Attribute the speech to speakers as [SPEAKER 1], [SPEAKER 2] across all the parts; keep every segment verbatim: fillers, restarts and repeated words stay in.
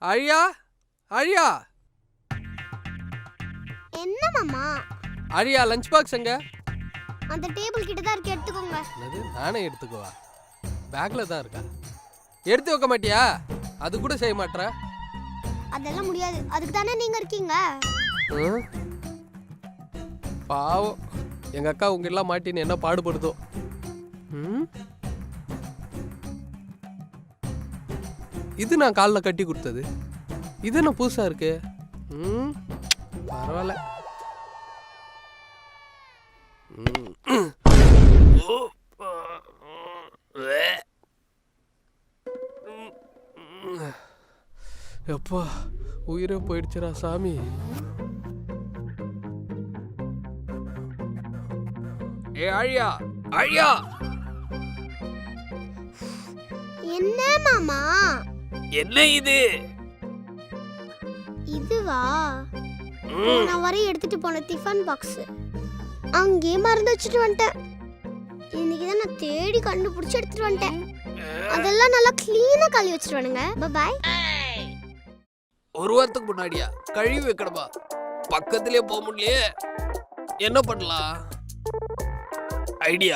[SPEAKER 1] ஆழியா ஆழியா
[SPEAKER 2] என்ன மாமா?
[SPEAKER 1] ஆழியா லஞ்ச் பாக்ஸ் எங்க?
[SPEAKER 2] அந்த டேபிள் கிட்ட தான் இருக்கு, எடுத்துக்கோங்க.
[SPEAKER 1] என்னது? நானே எடுத்துக்குவா? பேக்ல தான் இருக்கா? எடுத்து வைக்க மாட்டியா? அது கூட செய்ய மாட்டற?
[SPEAKER 2] அதெல்லாம் முடியாது, அதுக்கு தானே நீங்க இருக்கீங்க.
[SPEAKER 1] பாவம், எங்க அக்கா உங்க எல்லாம் மாட்டின்னு என்ன பாடுபடுதோ. ம், இது நான் காலில் கட்டி கொடுத்தது, இது என்ன புதுசா இருக்கு? ம், பரவாயில்ல. எப்பா உயிரே போயிடுச்சுடா சாமி. ஏ ஆழியா ஆழியா.
[SPEAKER 2] என்ன மாமா?
[SPEAKER 1] என்ன இது?
[SPEAKER 2] இதுவா? நான் வரைய எடுத்துட்டு போன டிஃபன் பாக்ஸ் அங்கேயே மறந்து வச்சுட்டு வந்துட்டேன். இன்னைக்கு தான் நான் தேடி கண்டுபிடிச்சு எடுத்துட்டு வந்துட்டேன். அதெல்லாம் நல்லா கிளீனா கழுவி வச்சுட்டு வானுங்க. பாய்.
[SPEAKER 1] ஒரு வாரத்துக்கு முன்னாடியா கழுவி வைக்கணுமா? பக்கத்திலே போக முடியலையே, என்ன பண்ணலாம்? ஐடியா.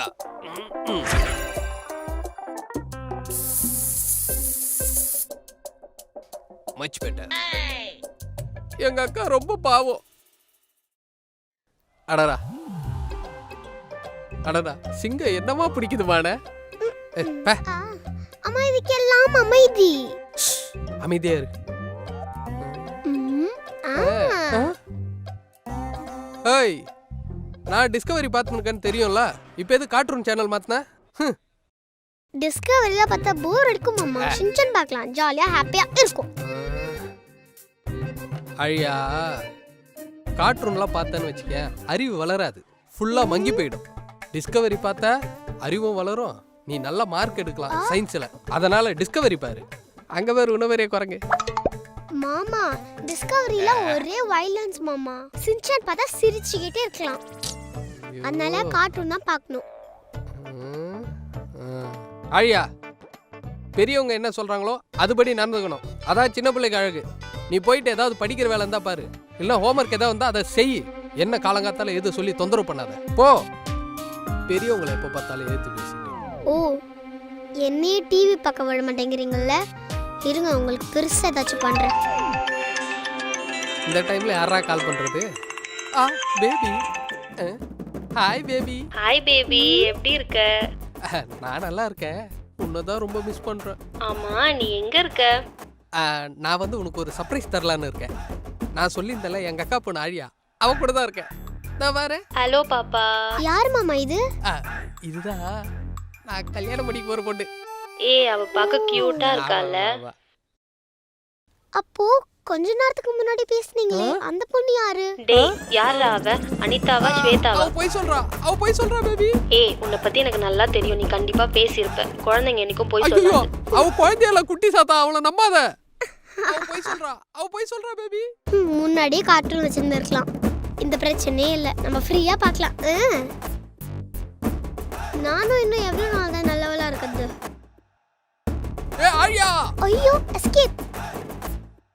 [SPEAKER 1] Much better. எங்க அக்கா ரொம்ப பாவம். அடடா அடடா, சிங்கம் என்னமா பிடிக்குதுமான?
[SPEAKER 2] அம்மா இதுக்கெல்லாம் அமைதி.
[SPEAKER 1] அமைதியா இரு. ஏய், நான் டிஸ்கவரி பார்த்துருக்கேன்னு தெரியும்ல, இப்போ எது கார்ட்டூன் சேனல் மாத்தின?
[SPEAKER 2] டிஸ்கவரியில பார்த்தா போர் அடிக்கும் மாமா. ஷின்சான் பார்க்கலாம், ஜாலியா ஹாப்பியா இருக்கும்.
[SPEAKER 1] ஐயா, கார்ட்டூன்லாம் பார்த்தேன்னு வச்சுக்க, அறிவு வளராது, ஃபுல்லா மங்கி போயிடும். டிஸ்கவரி பார்த்தா அறிவும் வளரும், நீ நல்ல மார்க் எடுக்கலாம் சயின்ஸ்ல. அதனால டிஸ்கவரி பாரு. அங்க வேற உணவரே குரங்கு.
[SPEAKER 2] மாமா டிஸ்கவரியில ஒரே வயலன்ஸ் மாமா. ஷின்சான் பார்த்தா சிரிச்சுக்கிட்டே இருக்கலாம், அதனால கார்ட்டூன் தான் பார்க்கணும்.
[SPEAKER 1] ஆழியா, பெரியவங்க என்ன சொல்றாங்களோ அதுபடி நடந்துக்கணும், அதான் சின்ன பிள்ளைக்கு அழகு. நீ போயிட்டு ஏதாவது படிக்கிற வேலை இருந்தா பாரு, இல்ல ஹோம்ஒர்க் ஏதாவது இருந்தா அதை செய். என்ன காலங்காத்தால எது சொல்லி தொந்தரவு பண்ணாத, போ. பெரியவங்களை எப்போ பார்த்தாலும் ஏத்து பேசிட்டு.
[SPEAKER 2] ஓ, என்னையே டிவி பார்க்க விட மாட்டேங்கிறீங்கல்ல, இருங்க உங்களுக்கு பெருசா ஏதாச்சும் பண்றேன்.
[SPEAKER 1] இந்த டைம்ல யாரா கால் பண்றது? ஆ baby. Hi baby.
[SPEAKER 3] Hi baby, எப்படி இருக்க?
[SPEAKER 1] நான் நல்லா இருக்கேன், உன்னதான் ரொம்ப மிஸ் பண்றேன்.
[SPEAKER 3] ஆமா, நீ எங்க இருக்க?
[SPEAKER 1] நான் வந்து உனக்கு ஒரு சர்ப்ரைஸ் தரலான்னு இருக்கேன். நான் சொல்லியிருந்தேன்ல எங்க அக்கா பொண்ணு ஆழியா, அவ கூட தான் இருக்கேன். நான் வரேன்.
[SPEAKER 3] ஹலோ பாப்பா.
[SPEAKER 2] யார் மாமா இது?
[SPEAKER 1] இதுதான் நான் கல்யாணம் பண்ணிக்க போற பொண்ணு.
[SPEAKER 3] ஏய், அவ பார்க்க கியூட்டா இருக்கால.
[SPEAKER 2] அப்போ கொஞ்ச நேரத்துக்கு முன்னாடி பேசுனீங்களே அந்த பொண்ணு யாரு?
[SPEAKER 3] டேய், யாரா அவ? அனிதாவா ஸ்வேதாவா?
[SPEAKER 1] அவ போய் சொல்றா, அவ போய் சொல்றா பேபி.
[SPEAKER 3] ஏய், உன்னை பத்தி எனக்கு நல்லா தெரியும், நீ கண்டிப்பா பேசியிருப்ப. குழந்தைங்க என்னைக்கும் போய் சொல்லாது.
[SPEAKER 1] அவ குழந்தையில குட்டி சாத்தா, அவளை நம்பாத. அவ போய் சொல்றா, அவ போய் சொல்றா பேபி.
[SPEAKER 2] முன்னாடியே கார்ட்டூன் வச்சிருந்திருக்கலாம், இந்த பிரச்சனையே இல்ல, நம்ம ஃப்ரீயா பார்க்கலாம். நானும் இன்னும் எவ்வளவு நாள் தான் நல்லவளா இருக்குது.
[SPEAKER 1] ஏ ஆழியா.
[SPEAKER 2] ஐயோ, எஸ்கேப்.